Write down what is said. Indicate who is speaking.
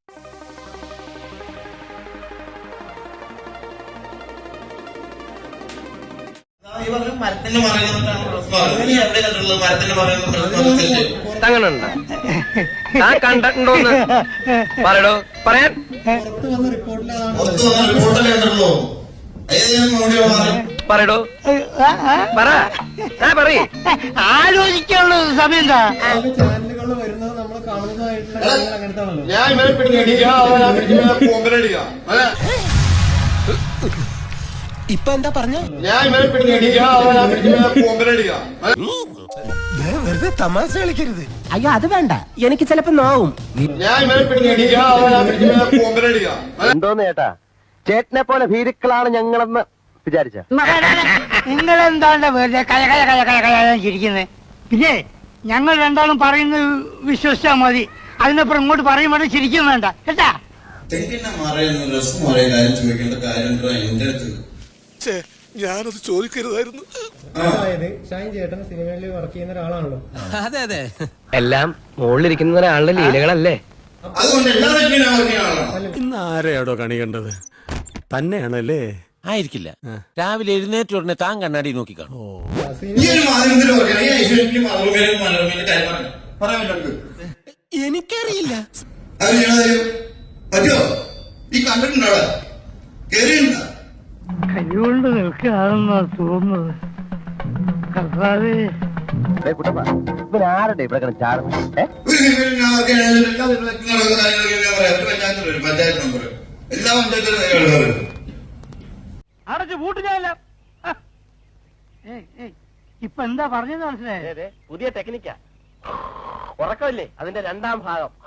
Speaker 1: അങ്ങനുണ്ട് ഞാൻ കണ്ടിട്ടുണ്ടോന്ന് പറയടോ പറയാൻ പറയടോ പറ പറയ്
Speaker 2: ആലോചിക്കാനുള്ള സമയം എന്താ
Speaker 3: ചാനലുകളിൽ വരുന്നത് നമ്മൾ കാണുന്നതായിട്ടുള്ള അങ്ങനത്താണല്ലോ.
Speaker 4: ഞാൻ ഇവരെ പിടിക്കുക
Speaker 1: ഇപ്പൊ എന്താ പറഞ്ഞു
Speaker 4: ഞാൻ ഇവരെ പിടിക്കുക
Speaker 1: വെറുതെ തമാശ കളിക്കരുത്. അയ്യോ അത് വേണ്ട, എനിക്ക് ചിലപ്പോ നോവും.
Speaker 4: ഞാൻ ഇവരെ പിടിക്കുക
Speaker 1: എന്തോന്ന് ചേട്ടാ, ചേട്ടനെ പോലെ ഭീരുക്കളാണ് ഞങ്ങളെന്ന് വിചാരിച്ച.
Speaker 2: നിങ്ങൾ എന്താണ് വെറുതെ ചിരിക്കുന്നത്? പിന്നെ ഞങ്ങൾ രണ്ടാളും പറയുന്നത് വിശ്വസിച്ചാൽ മതി. അതിനപ്പുറം ഇങ്ങോട്ട് പറയുമ്പോൾ ചിരിക്കും വേണ്ട കേട്ടാ.
Speaker 5: ഞാനത് ചോദിക്കരുതായിരുന്നു.
Speaker 3: അതായത് ഷൈൻ ചേട്ടൻ സിനിമയിൽ വർക്ക് ചെയ്യുന്ന ഒരാളാണല്ലോ.
Speaker 1: അതെ അതെ, എല്ലാം മുകളിലിരിക്കുന്ന ഒരാളുടെ ലീലകളല്ലേ.
Speaker 5: ഇന്ന് ആരെയാടോ കണി കണ്ടത്? തന്നെയാണല്ലേ?
Speaker 6: ആയിരിക്കില്ല. രാവിലെ എഴുന്നേറ്റ ഉടനെ താൻ കണ്ണാടി നോക്കി കാണും.
Speaker 5: എനിക്കറിയില്ല.
Speaker 2: കൈകൊണ്ട് നിൽക്കുകയാണെന്നാ തോന്നുന്നത്.
Speaker 1: ആരുടെ ഇവിടെ ചാടുന്നത്?
Speaker 2: അടച്ചു പൂട്ടില്ല. ഇപ്പൊ എന്താ പറഞ്ഞത് മനസ്സിലായേ?
Speaker 1: പുതിയ ടെക്നിക്കാ. ഉറക്കമില്ലേ അതിന്റെ രണ്ടാം ഭാഗം.